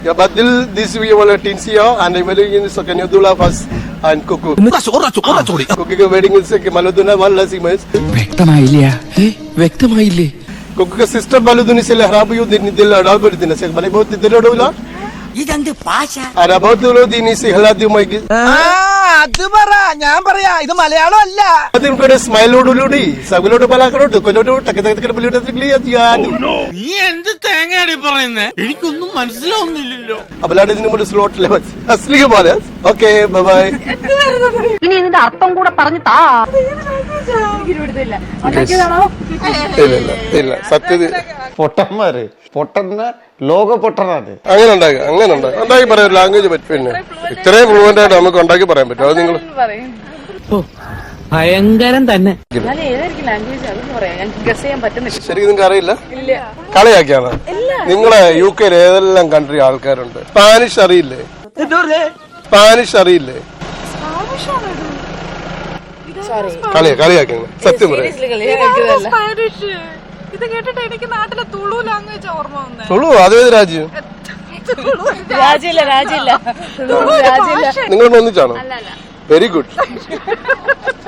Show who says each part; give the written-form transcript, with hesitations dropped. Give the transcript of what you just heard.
Speaker 1: Ya Badil, this we were Tinsia and I'm wedding in Sakanyadula first and Kuku. Kuku wedding in Maluduna, one last image.
Speaker 2: വ്യക്തമായില്ലേ
Speaker 1: Kuku sister Baluduni Selahabu, the Nidilla Albert in a second, but about the Rola.
Speaker 3: ഇതെന്ത് ഭാഷ?
Speaker 1: And about the road in Isiladu Mike.
Speaker 4: അത് പറ, ഞാൻ പറയാ, ഇത് മലയാളം അല്ല.
Speaker 1: I think a smile to Ludi, Sagulo to Palacro, to Kodo, Takataka,
Speaker 5: നീ എന്ത് തേങ്ങയാണ് പറയുന്നേ? എനിക്കൊന്നും മനസ്സിലാവുന്നില്ലല്ലോ.
Speaker 1: Abalad is number slot levels. Asleep about us. Okay, bye bye.
Speaker 6: ഇനി ഇതിന്റെ അർത്ഥം കൂടെ പറഞ്ഞു താ.
Speaker 1: ഇല്ല സത്യത്തിൽ
Speaker 7: പൊട്ടന്മാര് പൊട്ടന്ന ലോക പൊട്ടനാണ്.
Speaker 1: അങ്ങനെ ഉണ്ടാക്കി പറയാൻ ലാംഗ്വേജ് പറ്റും. പിന്നെ ഇത്രയും ഫ്ലുവന്റ് ആയിട്ട് നമുക്ക് ഉണ്ടാക്കി പറയാൻ പറ്റും. അത് നിങ്ങൾ
Speaker 4: ഭയങ്കരം തന്നെ.
Speaker 1: ശരിക്കും നിങ്ങൾക്ക് അറിയില്ല, കളിയാക്കിയാണ്. നിങ്ങളെ UK ഏതെല്ലാം കൺട്രി ആൾക്കാരുണ്ട്. സ്പാനിഷ് അറിയില്ലേ? കളിയാക്കി സത്യം പറയാം.
Speaker 8: ഇത് കേട്ടിട്ട് എനിക്ക് നാട്ടിലെ തുളു ലാംഗ്വേജ് ഓർമ്മ വന്നേ.
Speaker 1: തുളു അതേത് രാജ്യം?
Speaker 6: രാജില്ല
Speaker 1: നിങ്ങൾ ഒന്നിച്ചാണോ? Very good.